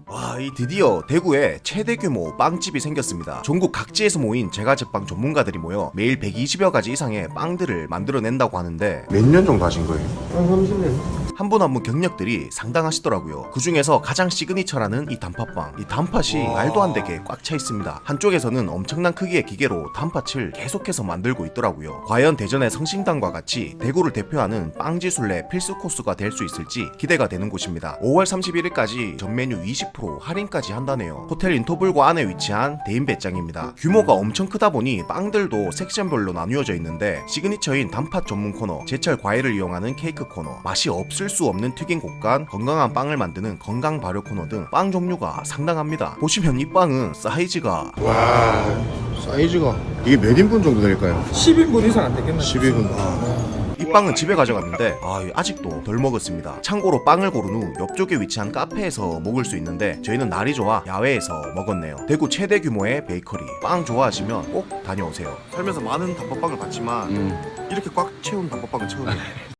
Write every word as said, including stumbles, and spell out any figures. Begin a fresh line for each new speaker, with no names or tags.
와, 이 드디어 대구에 최대 규모 빵집이 생겼습니다. 전국 각지에서 모인 제과제빵 전문가들이 모여 매일 백이십여 가지 이상의 빵들을 만들어낸다고 하는데
몇 년 정도 하신 거예요?
한 삼십 년.
한 분 한 분 경력들이 상당하시더라고요. 그 중에서 가장 시그니처라는 이 단팥빵. 이 단팥이
와.
말도 안 되게 꽉 차 있습니다. 한쪽에서는 엄청난 크기의 기계로 단팥을 계속해서 만들고 있더라고요. 과연 대전의 성심당과 같이 대구를 대표하는 빵지술래 필수 코스가 될 수 있을지 기대가 되는 곳입니다. 오월 삼십일일까지 전 메뉴 이십 퍼센트 할인까지 한다네요. 호텔 인터블과 안에 위치한 대인 배짱입니다. 규모가 엄청 크다 보니 빵들도 섹션별로 나뉘어져 있는데 시그니처인 단팥 전문 코너, 제철 과일을 이용하는 케이크 코너, 맛이 없을 수 없는 튀긴 곡간, 건강한 빵을 만드는 건강 발효 코너 등 빵 종류가 상당합니다. 보시면 이 빵은 사이즈가
와, 사이즈가 이게 몇 인분 정도 될까요?
십 인분 이상 안 되겠나?
십 인분. 아,
이 빵은 집에 가져갔는데 아, 아직도 덜 먹었습니다. 참고로 빵을 고른 후 옆쪽에 위치한 카페에서 먹을 수 있는데 저희는 날이 좋아 야외에서 먹었네요. 대구 최대 규모의 베이커리. 빵 좋아하시면 꼭 다녀오세요. 살면서 많은 단팥빵을 봤지만
음.
이렇게 꽉 채운 단팥빵은 처음이에요.